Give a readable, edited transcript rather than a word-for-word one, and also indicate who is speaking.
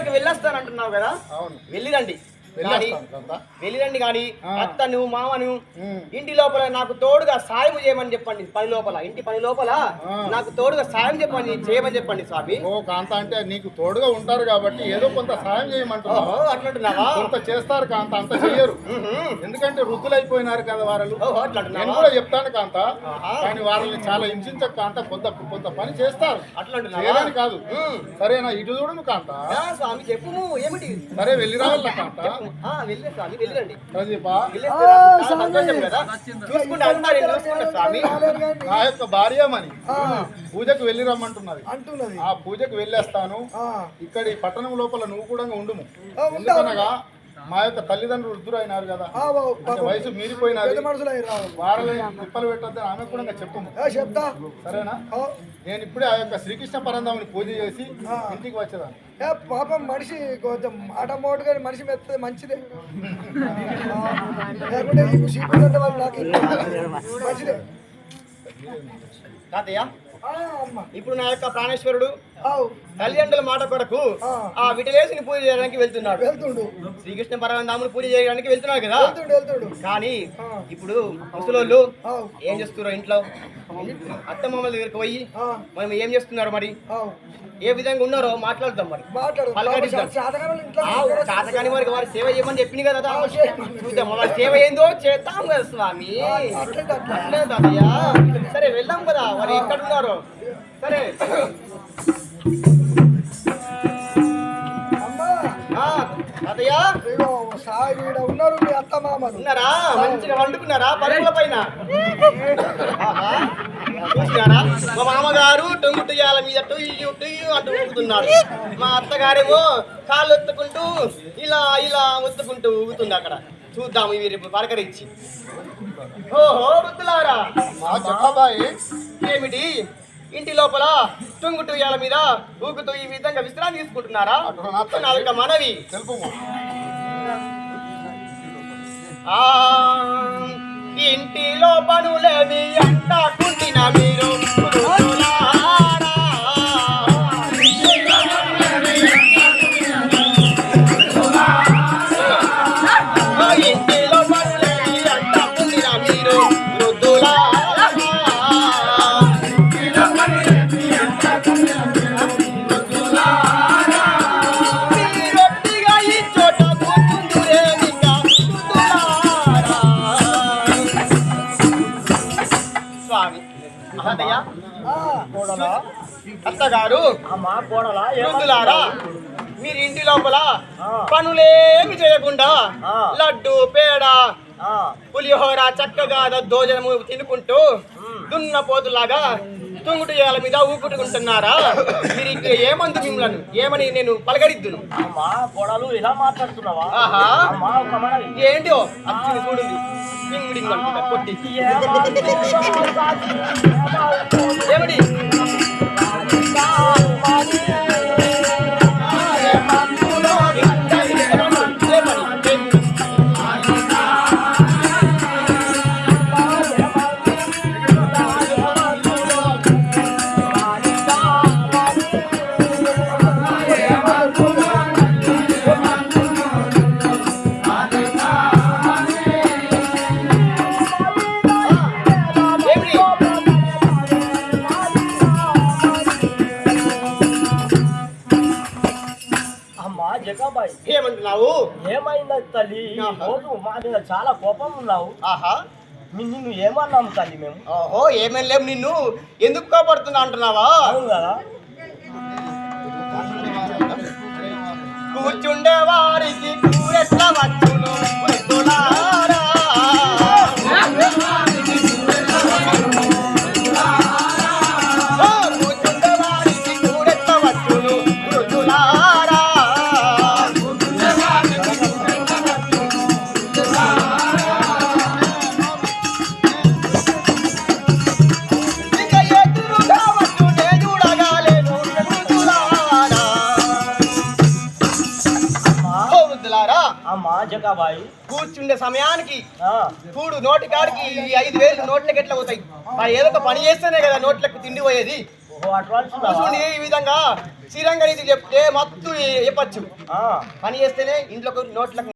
Speaker 1: పూజకు వెళ్ళొస్తానంటున్నావు కదా?
Speaker 2: అవును,
Speaker 1: వెళ్ళిరండి వెళ్ళిరండి. కానీ అత్తను మామను ఇంటి లోపల నాకు తోడుగా సాయం చేయమని చెప్పండి. పని లోపల ఇంటి పని లోపల నాకు తోడుగా సాయం చేయమని చెప్పండి స్వామి.
Speaker 2: ఓ కాంత, అంటే నీకు తోడుగా ఉంటారు కాబట్టి ఏదో కొంత సాయం చేయమంటున్నావు.
Speaker 1: అట్లంటున్నావా?
Speaker 2: కొంత చేస్తారు కాంత, అంత చెయ్యరు. ఎందుకంటే వృద్ధులైపోయినారు కదా వారు. నేను కూడా చెప్తాను కాంత, కానీ వారిని చాలా హింసించక కాంత, కొంత పని చేస్తారు. అట్లంటున్నారని కాదు. సరేనా? ఇటు చూడను కాంత.
Speaker 1: స్వామి చెప్పు ఏమిటి?
Speaker 2: సరే వెళ్ళి రావాల కాంత. నా యొక్క భార్యమని పూజకు వెళ్ళి రమ్మంటున్నది. ఆ పూజకు వెళ్ళేస్తాను. ఇక్కడి పట్టణం లోపల నువ్వు కూడా ఉండుము. ఎందుకనగా మా యొక్క తల్లిదండ్రులు వృద్ధులు అయినారు కదా, వయసు మీరిపోయినారు. వారిని తిప్పలు పెట్టద్దని ఆమె కూడా చెప్తా. సరేనా? నేను ఇప్పుడే ఆ యొక్క శ్రీకృష్ణ పరంధాముని పూజ చేసి ఇంటికి వచ్చేదాన్ని.
Speaker 3: పాపం మనిషి కొంచెం మాట మోటుగా మనిషి మెత్తది మంచిదే. లేకుంటే మంచిదే.
Speaker 1: తాతయ్య, ఇప్పుడు నా యొక్క ప్రాణేశ్వరుడు తల్లిదండ్రుల మాట కొరకు ఆ విటలేసిని పూజ చేయడానికి వెళ్తున్నాడు. శ్రీకృష్ణ పరమానందముని పూజ చేయడానికి వెళ్తున్నాడు కదా. కానీ ఇప్పుడు ముసలోళ్ళు ఏం చేస్తున్నారు? ఇంట్లో అత్తమామల దగ్గరికి పోయి మనం ఏం చేస్తున్నారు, మరి ఏ విధంగా ఉన్నారో మాట్లాడదాం. మరి చాతకాని వారికి వారి సేవ చేయమని చెప్పింది కదా. చూద్దాం వారి సేవ ఏందో చేద్దాం కదా స్వామి. తాతయ్య, సరే వెళ్దాం కదా. వారు ఎక్కడ ఉన్నారో సరే.
Speaker 3: ఉన్నారు మీ అత్త మామలు
Speaker 1: ఉన్నారా? మంచిగా వండుకున్నారా పరుగుల పైన? చూసినారా? మా మామగారు టొంగుటుయ్యాల మీద టొయ్యు టొయ్యు అంటూ ఊగుతున్నారు. మా అత్తగారేమో కాళ్ళు ఒత్తుకుంటూ ఇలా ఇలా ఒత్తుకుంటూ ఊగుతుంది. అక్కడ చూద్దాము వీరి పలకరించి. ఓహో వృద్ధులారా, ఏమిటి ఇంటి లోపల టొంగుటుయ్యాల మీద ఊగుతూ ఈ విధంగా విశ్రాంతి తీసుకుంటున్నారా? నా యొక్క మనవి ఇంటిలో పనులేవి అంతా కుంటిన మీరు అత్తగారు వృద్ధులారా, మీరు ఇంటి లోపల పనులేమి చేయకుండా లడ్డు పేడ పులిహోర చక్కగా దోజనము తినుకుంటూ దున్నపోతులాగా తుంగుటుయాల మీద ఊపుకుంటున్నారా? మీరు ఏమందు మిమ్మల్ని ఏమని నేను పలకరిద్దును?
Speaker 4: ఇలా మాట్లాడుతున్నావా?
Speaker 1: ఏంటో అచ్చి చూడండి కొట్టి ఏమిటి ఏమంటున్నావు?
Speaker 4: ఏమైంది తల్లి? మా మీద చాలా కోపం ఉన్నావు. నిన్ను ఏమన్నాము తల్లి మేము?
Speaker 1: ఓహో ఏమేం లేవు. నిన్ను ఎందుకు కోపడుతున్నా అంటున్నావా?
Speaker 4: అవును కదా.
Speaker 1: కూర్చుండే వారికి కూరెట్లా వచ్చును వృద్ధులారా. కూర్చుండే వారికి కూరెట్లా వచ్చును వృద్ధులారా. కూర్చుండే సమయానికి చూడు నోటి కాడికి 5,000 నోట్లకి ఎట్లా పోతాయి? ఏదో ఒక పని చేస్తేనే కదా నోట్లకు తిండి పోయేది.
Speaker 4: ఓ అడ్వాన్స్
Speaker 1: కూర్చుని ఈ విధంగా శ్రీరంగ నీతి చెప్తే మత్తు చెప్పచ్చు
Speaker 4: ఆ
Speaker 1: పని చేస్తేనే ఇంట్లో నోట్లకు